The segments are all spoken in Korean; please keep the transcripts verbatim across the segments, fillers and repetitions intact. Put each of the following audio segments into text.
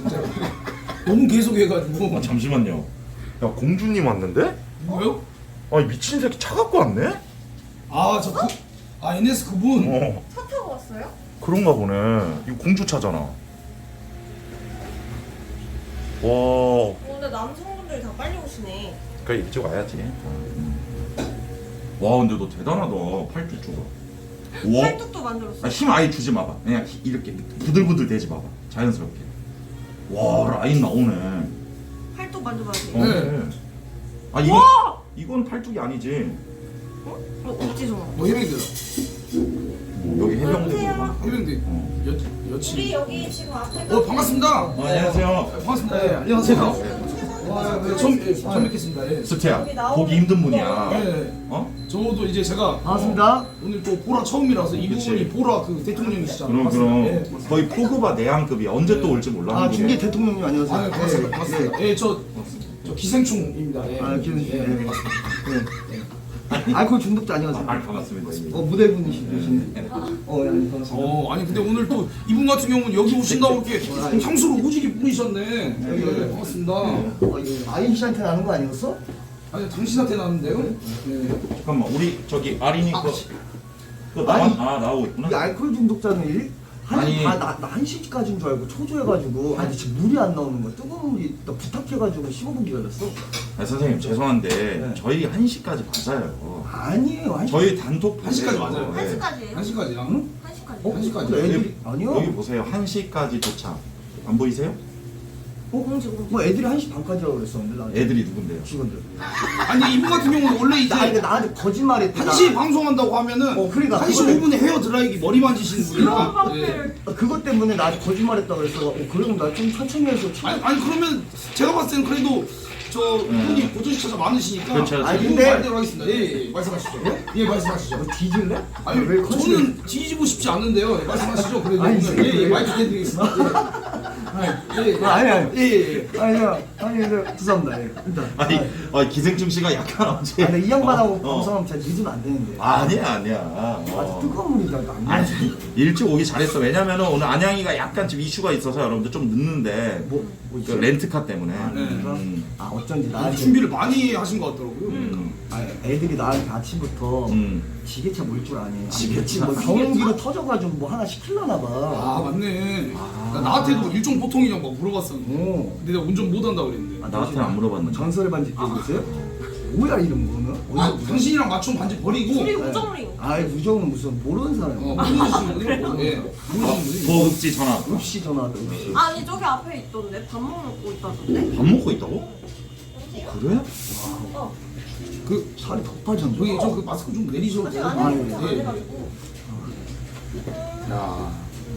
진짜. 너무 계속해가지고. 아, 잠시만요. 야, 공주님 왔는데? 뭐요? 아니, 미친 새끼 차 갖고 왔네? 아, 저 그, 아 엔에스 그분. 어, 차 타고 왔어요? 그런가 보네. 이거 공주 차잖아. 와, 어, 근데 남성분들이 다 빨리 오시네. 그래 일찍 와야지. 와, 근데 너 대단하다. 팔뚝 줘봐. 와, 팔뚝도 만들었어. 아, 힘 아예 주지 마봐. 그냥 히- 이렇게 부들부들 대지 마봐. 자연스럽게. 와, 라인 나오네. 팔뚝 만져봐도 어, 돼. 네. 그래. 아, 이건 와! 이건 팔뚝이 아니지. 어? 어, 없지 정아. 뭐 해병대다. 여기 해병대. 안녕하세요. 해병대. 어. 여 우리 여친. 여기 지금 앞에. 어 반갑습니다. 어, 안녕하세요. 반갑습니다. 예, 안녕하세요. 와, 네, 처음 예, 처음 뵙겠습니다. 예. 스테야, 여기 나오는 보기 힘든 분이야. 네. 어? 저도 이제 제가 반갑습니다. 어, 오늘 또 보라 처음이라서 이 그치. 부분이 보라 그 대통령이시잖아요. 그럼 맞습니다. 그럼 예, 맞습니다. 거의 포그바 내한급이 언제 또 올지 아, 몰랐는데. 중계 대통령님 안녕하세요. 아, 네, 반갑습니다. 예, 반갑습니다. 예, 저, 저 기생충입니다. 예. 아, 기생충. 예, 예. 반갑습니다. 예. 알코올 중독자 안녕하세요. 아, 반갑습니다. 어, 모델분이시네. 어, 예, 반갑습니다. 어, 아니 근데 오늘 또 이분 같은 경우는 여기 오신다고 이렇게 향수를 오지게 뿌리셨네. 여기 예, 반갑습니다. 어, 이거 아인 씨한테 나는 거 아니었어? 아니 당신한테 나왔는데요? 예. 잠깐만, 우리 저기 아린이 아, 그, 그 나와 아니, 아 나오고 있구나. 이 알코올 중독자는 일? 아니. 한, 나, 나 한 시까지인 줄 알고 초조해가지고 아니 지금 물이 안 나오는 거야. 뜨거운 물이 나 부탁해가지고 십오 분 기다렸어. 아, 선생님 죄송한데 네. 저희 한 시까지 맞아요. 아니에요. 한 시. 저희 단톡 한 시까지 맞아요. 한 시까지예요? 한 시까지야? 응? 한 시까지. 어? 한 시까지. 근데 애들이 여기, 아니요. 여기 보세요. 한 시까지 도착. 안 보이세요? 어? 공지 공지. 뭐 애들이 한 시 반까지라고 그랬었는데 나 애들이 누군데요? 직원들. 아니 이분 같은 경우는 원래 이제 나 이거 나한테 거짓말했대. 한 시에 방송한다고 하면은 어, 그러니까 한 시 그거는- 오 분에 헤어 드라이기 머리 만지시는 분이라 예. 네. 아, 그것 때문에 나한테 거짓말했다 그랬어. 어, 그러면 나 좀 천천히 해서 참- 아니, 아니 그러면 제가 봤을 때는 그래도 저 분이 고전시차가 많으시니까 그렇죠. 아니, 그분 근데- 말대로 하겠습니다. 예, 예, 말씀하시죠. 예, 말씀하시죠. 뭐 뒤질래? 아니 왜 거짓말- 저는 뒤지고 싶지 않는데요. 예, 말씀하시죠. 그래도 아니, 오늘 예, 예, 그래. 마이크 해드리겠습니다. 예, 예, 예. 아니 아니. 예, 예, 예. 아니 야 아니 네, 죄송합니다. 예. 일단. 아니, 아니, 아, 기생충 씨가 약간 어제. 아니, 이 양반하고 어, 어. 방송하면 잘 늦으면 안 되는데. 아니야, 아니야. 아주 어. 뜨거운 물이다. 안 아니, 돼. 일찍 오기 잘했어. 왜냐면은 오늘 안양이가 약간 지금 이슈가 있어서 여러분들 좀 늦는데 뭐, 뭐 그 있어? 렌트카 때문에. 아, 네. 음. 아 어쩐지 아니, 나한테 준비를 많이 하신 것 같더라고요. 음. 아, 애들이 나한테 아침부터 음. 지게차 몰 줄 아니. 지게차? 뭐 경운기로 터져가지고 뭐 하나 시킬라나 봐. 아 맞네. 나 나한테도 일종 보통이냐고 막 물어봤었는데 오. 근데 내가 운전 못한다 그랬는데. 아, 나한테는 안 물어봤는데. 전설의 반지 끼고 있어요? 뭐야 이름 뭐는? 아, 어디서 당신이랑 맞춤 반지 버리고 우리 어, 우정링. 아이 무정은 무슨 모르는 사람. 모르시는 분이요? 예, 모르시는 분이. 보급지 전화. 읍시 전화다 읍시. 아니 저기 앞에 있던데 밥 먹고 있다던데. 밥 먹고 있다고? 그래? 어. 그 살이 더 빠졌네. 저기 저 그 마스크 좀 내리셔도 아직 돼요? 안 아, 해가지고 안 예. 해가지고. 야.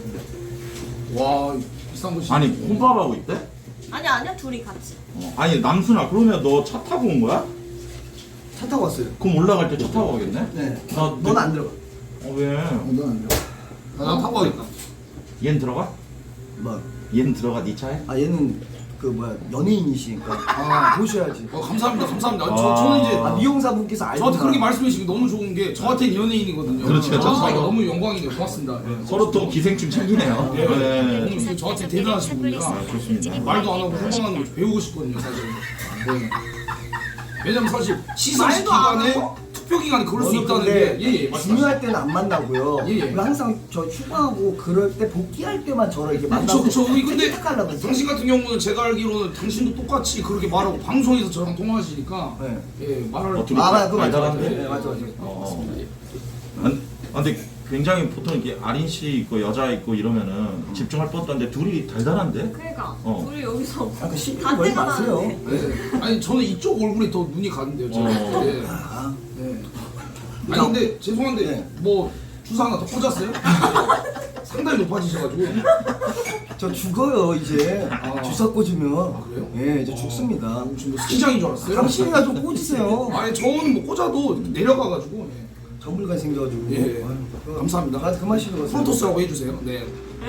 와 비싼 거 아니, 혼밥하고 있대? 아니 아니야 둘이 같이. 어. 아니, 남순아, 그러면 너 차 타고 온 거야? 차 타고 왔어요. 그럼 올라갈 때 차 타고 가겠네? 네. 나, 넌 안 들어가. 어, 왜? 넌안 들어가. 아, 나 타고 가겠다. 얜 들어가? 뭐? 얜 들어가, 네 차에? 아 얘는 그 뭐야 연예인이시니까 아. 보셔야지. 어, 감사합니다, 감사합니다. 아. 저, 저는 이제 아 미용사분께서 알고 저한테 그렇게 말씀해 주시기 너무 좋은 게 저한테는 연예인이거든요. 그렇죠, 저한테 저도. 너무 영광이네요. 고맙습니다. 예. 서로 또 기생충 챙기네요. 예. 네. 오늘 저한테 대단하신 분이라 아, 좋습니다. 말도 안 하고 후방하는 걸 배우고 싶거든요, 사실. 네. 왜냐면 사실 시상식 말도 안 기간에 하고? 투표 기간에 그럴 수 저는 있다는 근데 게 예예 말씀하세요. 중요할 때는 안 만나고요. 예, 예. 그리고 항상 저 휴가하고 그럴 때 복귀할 때만 저를 이렇게 그쵸 만나고 그쵸 우리 근데 택하려고 했어요. 당신 같은 경우는 제가 알기로는 당신도 똑같이 그렇게 말하고 방송에서 저랑 통화하시니까 네. 예 말을 어떻게- 아 맞아 그거 맞아 맞아. 달달한데? 네, 맞아 맞아. 어. 안, 아, 근데 굉장히 보통 이렇게 아린 씨 있고 여자 있고 이러면은 집중할 법도 한데 둘이 달달한데? 그러니까 어. 우리 여기서 아, 그 시비 다 걸지 떼가 마세요. 나는데. 예. 아니 저는 이쪽 얼굴에 더 눈이 가는데요 저는. 어. 예. 아, 예. 아니 근데 죄송한데 네. 뭐 주사 하나 더 꽂았어요? 상당히 높아지셔가지고 저 죽어요 이제 아. 주사 꽂으면. 아, 그래요? 예 이제 죽습니다. 지금 뭐 스키장인 줄 알았어요? 당신이나 좀 꽂으세요. 아니 저는 뭐 꽂아도 내려가가지고 예. 전문가 생겨가지고. 예. 아유, 감사합니다. 나 그만 시켜 가세요. 프로토스라고 해주세요. 네.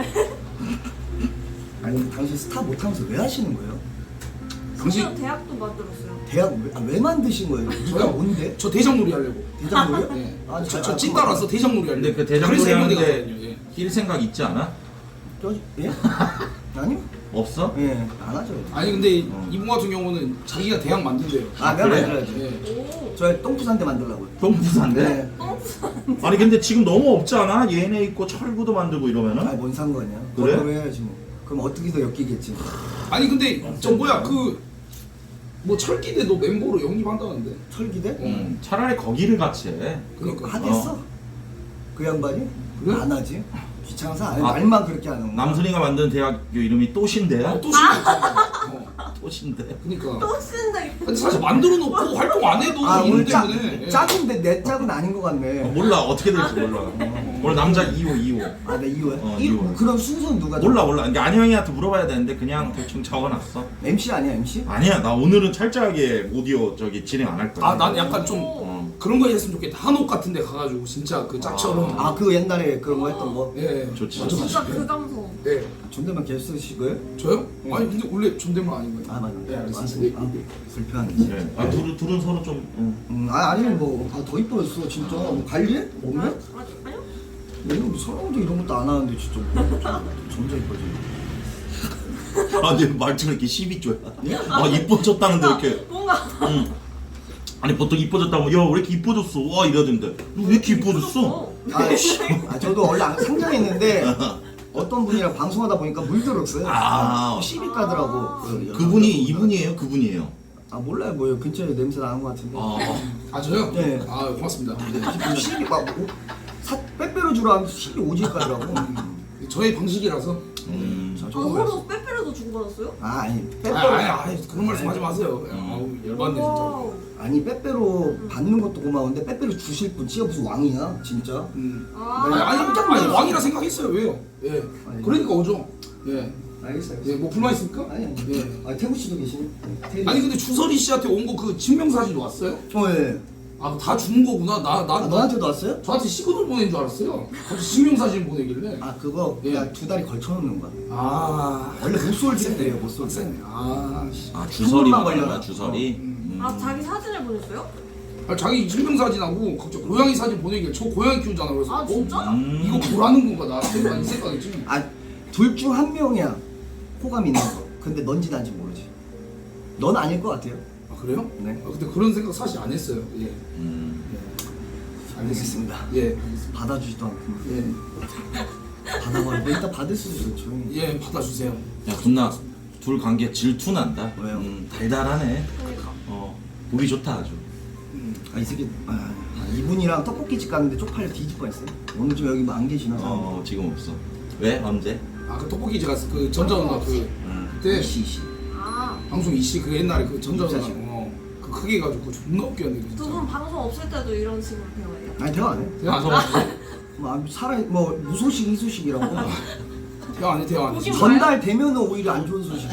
아니 근데 당신 스타 못하면서 왜 하시는 거예요? 당신 심지어 대학도 만들었어요. 대학 왜, 아, 왜 만드신 거예요? 저요? 뭔데? 저 대장놀이 하려고. 대장로요? 네. 아, 저, 아, 저 아, 찐따라서 대장놀이 하려고. 근데 그 대장놀이 그래서 해병대 하는데 갔거든요, 예. 낄 생각 있지 않아? 저, 예? 아니요? 없어? 예, 안 하죠. 아니 근데 어. 이분 같은 경우는 자기가 대학 만든대요. 아, 내가 그래? 만들어야지. 예. 오. 저 똥부산대 만들라고요. 똥부산데? 네. 아니 근데 지금 너무 없지 않아? 얘네 있고 철구도 만들고 이러면은? 아니 뭔 상관이야? 그래? 그걸 해야지 뭐. 그럼 어떻게서 엮이겠지. 아니 근데 저 뭐야 그 뭐 철기대도 멤버로 영입한다는데. 철기대? 음, 차라리 거기를 같이 해. 그러니까. 하겠어? 어. 그 양반이? 그래? 안 하지. 귀찮아서 안 해. 아, 말만 그렇게 하는 거야. 남순이가 만든 대학교 이름이 또신대야? 어, 또 신고. 어. 또신대. 그러니까. 또 쓴다 이거. 근데 사실 만들어 놓고 활동 안 해도 아 이름 오늘 짜, 때문에. 예. 짝인데 내 짝은 아닌 것 어, 같네. 몰라 어떻게 될지 몰라. 오늘 남자 이 호 이 호. 아, 내 이호야? 어, 이 이호. 그런 순서는 누가 몰라 몰라. 그러니까 안영이한테 물어봐야 되는데 그냥 대충 적어놨어. 엠씨 아니야 엠씨? 아니야 나 오늘은 철저하게 오디오 저기 진행 안 할 거야. 아, 난 약간 좀 어. 그런 거 했으면 좋겠다. 한옥 같은 데 가가지고 진짜 그 짝처럼. 아 그 옛날에 그런 거 했던 거? 예. 좋지. 완전 진짜 맛있게. 그 감성. 예. 존댓말 계속 쓰실 거예요? 저요? 응. 아니 근데 원래 존댓말 아닌 거예요. 아 맞아. 예, 알겠습니다. 아, 불편하네. 네. 아 둘은 둘은 서로 좀. 어. 음, 아 아니 뭐더 이뻐졌어 진짜. 뭐 관리해? 몸매? 아니, 아니요? 내가 뭐 서랑도 이런 것도 안 하는데 진짜 뭐 점점 이뻐지. 아 근데 말투가 이렇게 십이 조야. 아 이뻐졌다는데 이렇게. 뭔가 응. 아니 보통 이뻐졌다고 야 왜 이렇게 이뻐졌어? 와 이러던데 너 왜 이렇게 이뻐졌어? 아, 아 저도 원래 안- 상장했는데 어떤 분이랑 방송하다 보니까 물들었어요. 아. 시비 까더라고. 그 그분이 이분이에요? 그분이에요? 아 몰라요 뭐 근처에 냄새 나는 것 같은데. 아. 아 저요? 네. 아 고맙습니다. 시비 막 오, 사, 빼빼로 주라 하면 시비 오질 까더라고. 저의 방식이라서. 음. 자, 아, 저거 그랬어. 서로 빼빼로도 주고받았어요? 아 아니 아, 빼빼로 아니, 아니 그런 말씀 하지 마세요. 아우 열받네 진짜. 와우. 아니 빼빼로 받는 것도 고마운데 빼빼로 주실 분 진짜 무슨 왕이야 진짜. 음. 아, 아니 아니 일단 아니 왕이라 생각했어요. 왜요? 예. 아니. 그러니까 오죠. 예. 알겠어 알겠어. 예. 뭐 불만 있습니까? 아니 아니. 예. 아 태구 씨도 계시네. 태구 아니 씨. 근데 주설이 씨한테 온 거 그 증명사진 왔어요? 어 예. 아 다 준 거구나. 나 나 아, 너한테도 왔어요? 저한테 시그널 보낸 줄 알았어요. 갑자기 증명사진 보내길래. 아 그거 예. 그냥 두 다리 걸쳐놓는 거야. 아. 원래 못 쏠진대요 못 쏠. 빡세네. 아. 씨. 아 주설이 한번만 말이야 걸려라. 주설이. 음. 아, 자기 사진을 보냈어요? 아, 자기 증명사진하고 갑자기 고양이 사진 보내길래 저 고양이 키우잖아. 그래서 아, 진짜? 어? 음. 이거 보라는 건가 나 생각 이 생각이지. 아둘 중 한 명이야 호감 있는 거. 근데 넌지 난지 모르지. 넌 아닐 것 같아요. 아 그래요? 네. 아, 근데 그런 생각 사실 안 했어요. 예. 음. 알겠습니다. 예. 알겠습니다. 받아주지도 않고 예. 받아버려. 뭐 이따 받을 수도 있어 조용히. 예, 받아주세요. 야 군나 둘 관계 질투 난다. 왜요? 음, 달달하네. 그러니까. 어 보기 좋다 아주. 음. 아, 이 새끼 아, 아, 이분이랑 떡볶이집 갔는데 쪽팔려 뒤질 뻔했어요. 오늘 좀 여기 뭐 안 계시나? 어 지금 없어. 왜 언제? 아, 그 떡볶이 제가 그 전자누나 그 음. 그때 이씨 이씨. 아, 방송 이씨 그 옛날에 그 전자누나 입사식. 어, 그 크게 해가지고 존나 웃겼는데 두 진짜. 분 방송 없을 때도 이런 식으로 대화해요? 아니 대화 안 해. 대화 방송 안 없어? 해. 뭐 아, 살아 뭐 무소식 이소식이라고. 대화 안 해. 대화 안 해. 보지 마. 전달되면은 오히려 안 좋은 소식이지.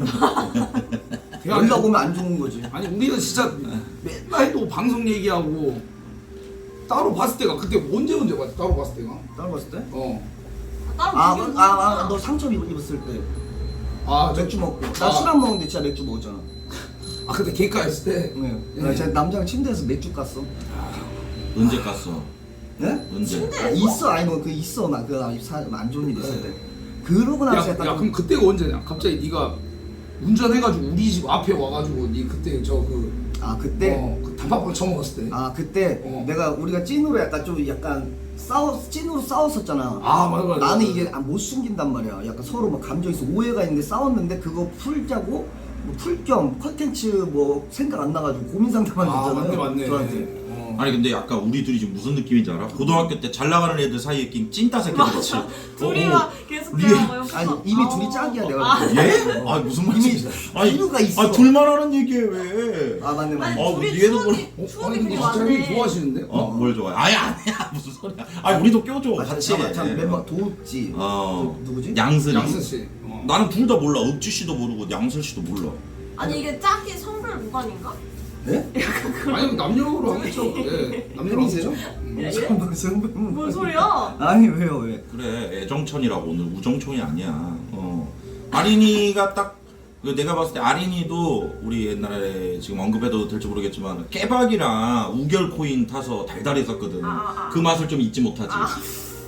대화 안 해. 연락 오면 안 좋은 거지. 아니 우리는 진짜 맨날 또 방송 얘기하고 따로 봤을 때가 그때 언제 언제 봤지? 따로 봤을 때가. 따로 봤을 때? 어. 따로 아, 비교 그- 아, 아, 너 상처 입- 입었을 때 아, 저- 맥주 먹고. 아. 나 술 안 먹는데 진짜 맥주 먹었잖아. 아 근데 개가였을 때. 네. 예. 나 제가 남자랑 침대에서 맥주 깠어. 언제 깠어? 네? 언제? 아, 있어, 아니 뭐 그 있어, 막그안 좋은 일 있을 때. 그러고 나서 야, 약간 야 좀- 그럼 그때가 언제냐? 갑자기 네가 운전해가지고 우리 집 앞에 와가지고 네 그때 저그 아 그때 어, 그 단팥빵 처먹었을 때. 아 그때 어. 내가 우리가 찐으로 약간 좀 약간 싸워 찐으로 싸웠었잖아. 아 맞아 맞아. 나는 맞아. 이게 아, 못 숨긴단 말이야. 약간 서로 막 감정 있어 오해가 있는데 싸웠는데 그거 풀자고 뭐 풀겸 컨텐츠 뭐 생각 안 나가지고 고민 상담만 아 줬잖아요. 맞네 맞네. 저한테. 어. 아니 근데 약간 우리 둘이 지금 무슨 느낌인지 알아? 고등학교 때 잘 나가는 애들 사이에 낀 찐따 새끼들이지. 둘이 어, 막 계속 리에- 대화하고 옆에서 아니 이미 아. 둘이 짝이야 내가. 아, 볼 때. 예? 아 무슨 말이지? 아니 이유가 있어. 아 둘만 하는 얘기해 왜? 아 맞네 맞네. 아니 어, 둘이 얘도 추억이 어? 추억이 아니 근데 되게 진짜 형님 많네. 좋아하시는데? 어 뭘 좋아해? 아니 아니야 무슨 소리야? 아니 우리도 껴줘 아, 같이. 잠깐만, 잠깐 멤버 도읍지. 어 그, 누구지? 양슬이. 양승 씨. 어. 나는 둘 다 몰라. 읍지 씨도 모르고 양슬 씨도 몰라. 아니 이게 짝이 성별 무관인가? 네? 아니 남녀로 하겠죠. 예. 남녀로 팬이세요? 하겠죠. 음. 예? 성분 성분. 뭔 소리야? 아니 왜요 왜? 그래 애정천이라고 오늘 우정총이 아니야. 어 아린이가 딱 그 내가 봤을 때 아린이도 우리 옛날에 지금 언급해도 될지 모르겠지만 깨박이랑 우결 코인 타서 달달했었거든. 아, 아, 아. 그 맛을 좀 잊지 못하지. 아.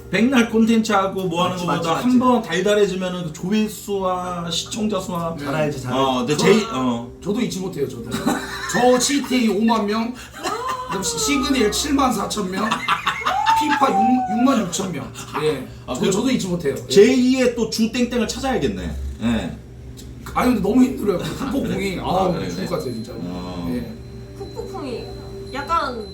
백날 콘텐츠하고 뭐 하는 맞지, 것보다 맞지, 한 번 달달해지면은 그 조회수와 시청자 수와 잘 알지 잘 알지. 어, 근데 제이 어. 저도 잊지 못해요. 저도. 저 지티에이 오만 명, 그다음 시- 시그니엘 칠만 사천 명, 피파 육만 육천 명. 예. 아, 저, 그래도- 저도 잊지 못해요. 예. 제이의 또 주 땡땡을 찾아야겠네. 예. 아니 근데 너무 힘들어요. 후폭풍이 아, 아, 그래, 죽을 그래. 것 같아요 진짜. 어. 예. 푹푹풍이 약간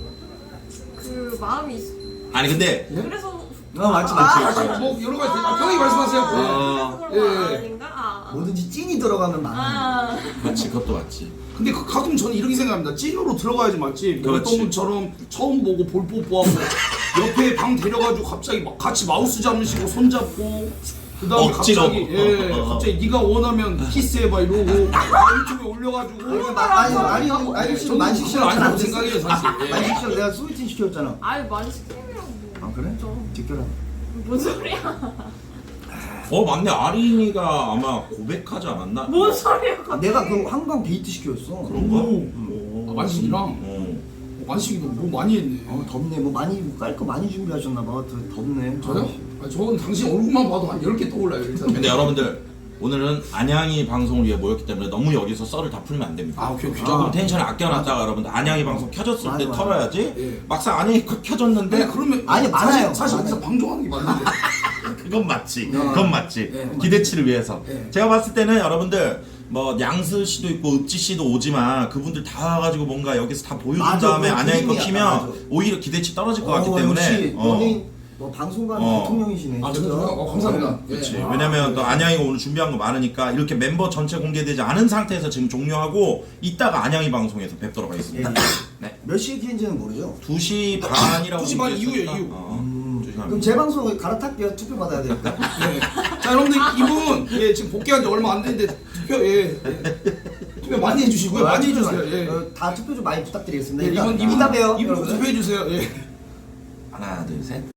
그 마음이 있... 아니 근데 그래서 어 맞지 맞지. 아, 뭐 여러 가지 아, 편하게 말씀하세요. 예. 아. 그런 예, 거 예. 아닌가? 아. 뭐든지 찐이 들어가면 많아. 아. 맞지 그것도 맞지. 근데 그 가끔 저는 이렇게 생각합니다. 찐으로 들어가야지 맞지. 뭐 그렇지. 어떤 분처럼 처음 보고 볼 뽀뽀하고 옆에 방 데려가지고 갑자기 막 같이 마우스 잡으시고 손 잡고 그다음에 억지로. 갑자기 예 어, 어, 어. 갑자기 네가 원하면 키스해봐 이러고 유튜브에 올려가지고 아니 아니 아니 아니 지금 만식 씨랑 아니라고 잘안 생각해요 사실. 예. 만식 씨랑 내가 소개팅 시켰잖아. 아유 많이 시키려고. 아 그래? 직결아. 뭔 소리야? 어 맞네 아린이가 아마 고백하지 않았나? 뭔 소리야? 아, 내가 그 한강 데이트 시켰어. 그런가? 오. 아, 만식이랑 어. 만식이도 뭐 많이 했네. 어 덥네. 뭐 많이 깔 거 많이 준비하셨나 봐. 더 덥네. 저요? 아, 저는 당신 얼굴만 봐도 한 열 개 떠올라요 일단. 근데 여러분들 오늘은 안양이 방송을 위해 모였기 때문에 너무 여기서 썰을 다 풀면 안 됩니다. 아 오케이 오케이. 조금 아, 텐션을 아껴놨다가 여러분들 안양이 방송 켜졌을 맞아, 때 맞아. 털어야지. 예. 막상 안양이 켜- 켜졌는데 네 그러면 아니, 많아요. 사실, 사실 많아요. 여기서 방종하는 게 맞는데. 그건 맞지. 어. 그건 맞지. 예. 기대치를 위해서. 예. 제가 봤을 때는 여러분들 뭐 양스 씨도 있고 읍지 씨도 오지만 그분들 다 와가지고 뭔가 여기서 다 보여준 맞아, 다음에 그거 안양이 거 그림이야, 키면 맞아. 오히려 기대치 떨어질 것 같기 어, 때문에. 역시 어. 연예인 뭐 방송관 어. 대통령이시네. 아 진짜. 저도요? 어, 감사합니다. 그렇지. 예. 왜냐면 또 안양이가 오늘 준비한 거 많으니까 이렇게 멤버 전체 공개되지 않은 상태에서 지금 종료하고 이따가 안양이 방송에서 뵙도록 예. 하겠습니다. 네. 몇 시에 키는지는 모르죠. 두 시 반이라고 두 시 반 얘기했으니까. 이후에 이후. 어, 음, 두 시 반 그럼 제 방송 갈아탈게요. 투표 받아야 되니까. 네. 자 여러분들 이분 예 지금 복귀한 지 얼마 안 됐는데 투표 예, 예. 투표 많이 해주시고요. 많이 해주세요. 예. 어, 다 투표 좀 많이 부탁드리겠습니다. 네, 일단 이분 이분 이따 봬요. 이분 꼭 여러분들. 투표해 주세요. 예. 하나 둘 셋.